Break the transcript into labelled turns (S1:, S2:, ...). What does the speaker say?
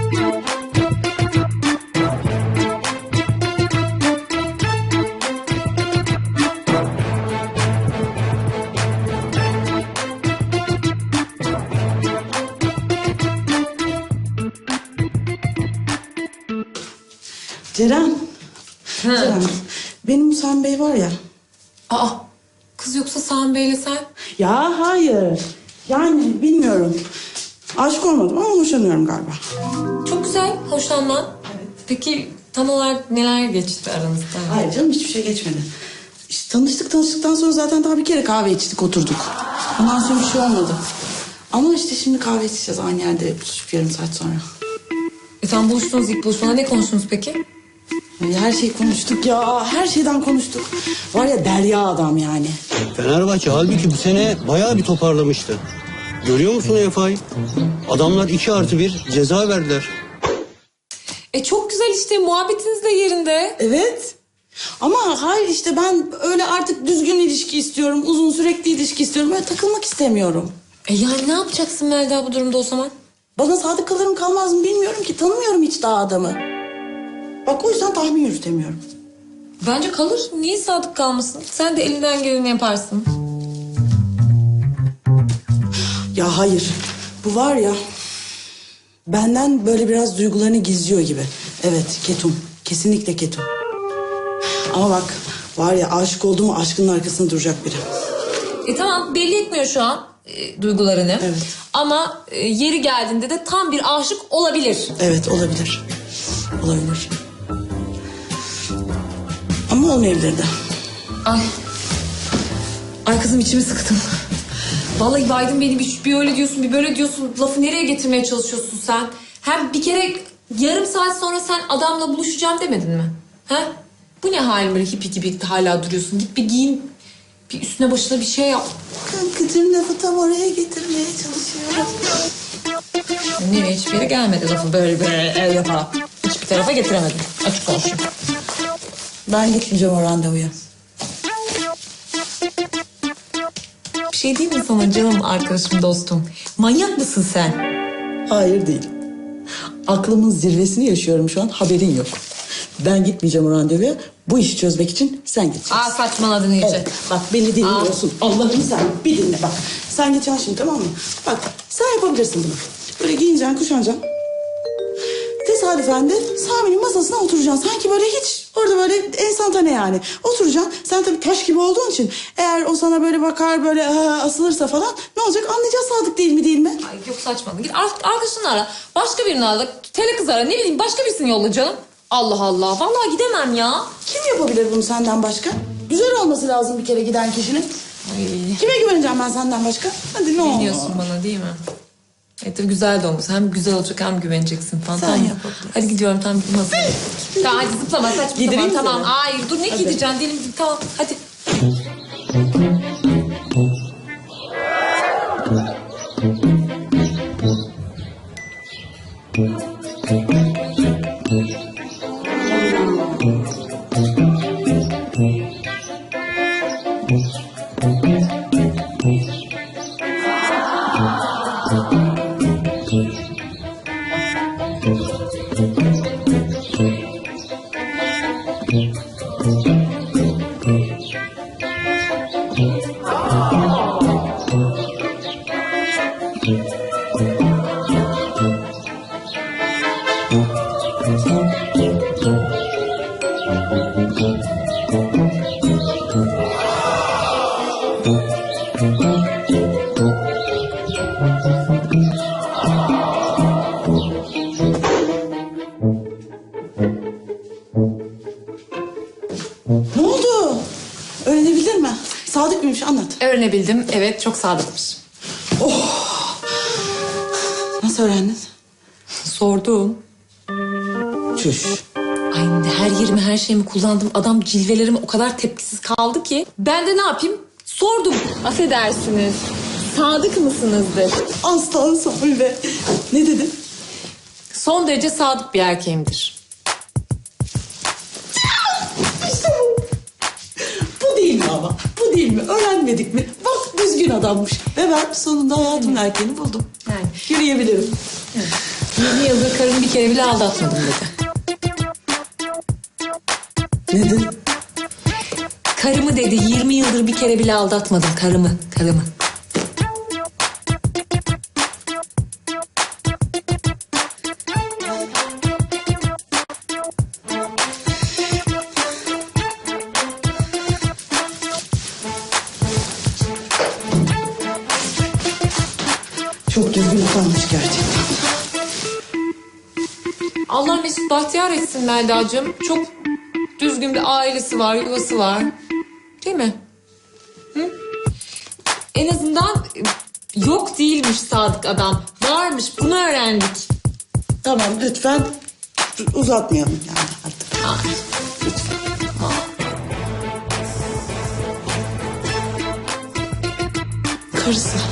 S1: Ceren. Ceren. Benim Sami Bey var ya.
S2: Aa, kız yoksa Sami Bey'le sen?
S1: Ya hayır. Yani bilmiyorum. Aşık olmadım ama hoşlanıyorum galiba.
S2: Çok güzel, hoşlanman. Evet. Peki tam olarak neler geçti aranızda?
S1: Hayır canım, hiçbir şey geçmedi. İşte tanıştıktan sonra zaten daha bir kere kahve içtik, oturduk. Ondan sonra bir şey olmadı. Ama işte şimdi kahve içeceğiz aynı yerde buluşup yarım saat sonra.
S2: Tam buluştunuz, ilk buluşmada ne konuştunuz peki?
S1: Her şeyi konuştuk ya. Her şeyden konuştuk. Var ya, derya adam yani.
S3: Fenerbahçe halbuki bu sene bayağı bir toparlamıştı. Görüyor musun EFA'yı? Adamlar 2+1 ceza verdiler.
S2: Çok güzel işte, muhabbetiniz de yerinde.
S1: Evet. Ama hayır işte, ben öyle artık düzgün ilişki istiyorum. Uzun sürekli ilişki istiyorum. Böyle takılmak istemiyorum.
S2: Yani ne yapacaksın Melda bu durumda o zaman?
S1: Bana sadık kalırım kalmaz mı bilmiyorum ki. Tanımıyorum hiç daha adamı. Bak, o yüzden tahmin yürütemiyorum.
S2: Bence kalır. Niye sadık kalmasın? Sen de elinden geleni yaparsın.
S1: Ya hayır. Bu var ya, benden böyle biraz duygularını gizliyor gibi. Evet, ketum. Kesinlikle ketum. Ama bak, var ya, aşık oldu mu aşkının arkasında duracak biri.
S2: Tamam, belli etmiyor şu an duygularını.
S1: Evet.
S2: Ama yeri geldiğinde de tam bir aşık olabilir.
S1: Evet, olabilir. Olabilir. Ama olmayabilir de.
S2: Ay kızım, içimi sıktım. Vallahi baydın beni, bir öyle diyorsun bir böyle diyorsun. Lafı nereye getirmeye çalışıyorsun sen? Hem bir kere yarım saat sonra sen adamla buluşacağım demedin mi? Ha? Bu ne halin böyle hippi gibi hala duruyorsun? Git bir giyin. Bir üstüne başına bir şey yap.
S1: Kankacığım, lafı tam oraya getirmeye çalışıyorum.
S2: Nereye, hiçbir yere gelmedi lafı böyle yaparak. Hiçbir tarafa getiremedim. Açık konuşayım.
S1: Ben gitmeyeceğim o randevuya.
S2: Bir şey diyeyim mi sana canım arkadaşım, dostum? Manyak mısın sen?
S1: Hayır, değil. Aklımın zirvesini yaşıyorum şu an, haberin yok. Ben gitmeyeceğim o randevuya. Bu işi çözmek için sen gideceksin.
S2: Saçmaladın iyice.
S1: Evet, bak beni dinliyorsun. Allah'ını sen bir dinle bak. Sen geçeceksin şimdi, tamam mı? Bak, sen yapabilirsin bunu. Böyle giyineceksin, kuşanacaksın. Tesadüfen de Sami'nin masasına oturacaksın. Sanki böyle hiç orada böyle enstantane yani. Oturacaksın. Sen tabii taş gibi olduğun için eğer o sana böyle bakar, böyle asılırsa falan ne olacak? Anlayacağız sadık değil mi, değil mi?
S2: Ay yok, saçmalama. Git arkadaşını ara. Başka birini ara. Tele kız ara. Ne bileyim, başka birisini yolla canım. Allah Allah. Vallahi gidemem ya.
S1: Kim yapabilir bunu senden başka? Güzel olması lazım bir kere giden kişinin.
S2: Ay.
S1: Kime güveneceğim ben senden başka? Hadi ne olur.
S2: Güveniyorsun bana değil mi? Tabii güzel de olmuş. Hem güzel olacak hem güveneceksin falan.
S1: Sen
S2: Tamam.
S1: yapabilirsin.
S2: Hadi gidiyorum, tamam. Tamam hadi zıplama, saçmalama.
S1: Gidireyim
S2: Tamam.
S1: seni.
S2: Hayır dur, ne
S1: Hadi.
S2: gideceksin? Dilim tamam hadi.
S1: Ne oldu? Öğrenebilir mi? Sadık mıymış, anlat.
S2: Öğrenebildim. Evet, çok sadıkmış.
S1: Nasıl öğrendin?
S2: Sordum.
S1: Çüş.
S2: Ay her yerimi, her şeyimi kullandım. Adam cilvelerime o kadar tepkisiz kaldı ki. Ben de ne yapayım? Sordum. Affedersiniz. Sadık mısınızdır?
S1: Aslan Sami be. Ne dedin?
S2: Son derece sadık bir erkeğimdir.
S1: İşte bu. Bu değil mi ama? Bu değil mi? Öğrenmedik mi? Bak, düzgün adammış. Ve ben sonunda hayatımın erkeğini buldum.
S2: Yani.
S1: Yürüyebilirim.
S2: 20 yıldır karımı bir kere bile aldatmadım dedi.
S1: Neden?
S2: Karımı dedi 20 yıldır bir kere bile aldatmadım karımı.
S1: Çok düzgün adammış gerçekten.
S2: Allah mesut bahtiyar etsin Melda'cığım. Çok düzgün bir ailesi var, yuvası var. Değil mi? Hı? En azından yok değilmiş sadık adam. Varmış, bunu öğrendik.
S1: Tamam lütfen uzatmayalım yani artık.
S2: Ay.
S1: Karısı.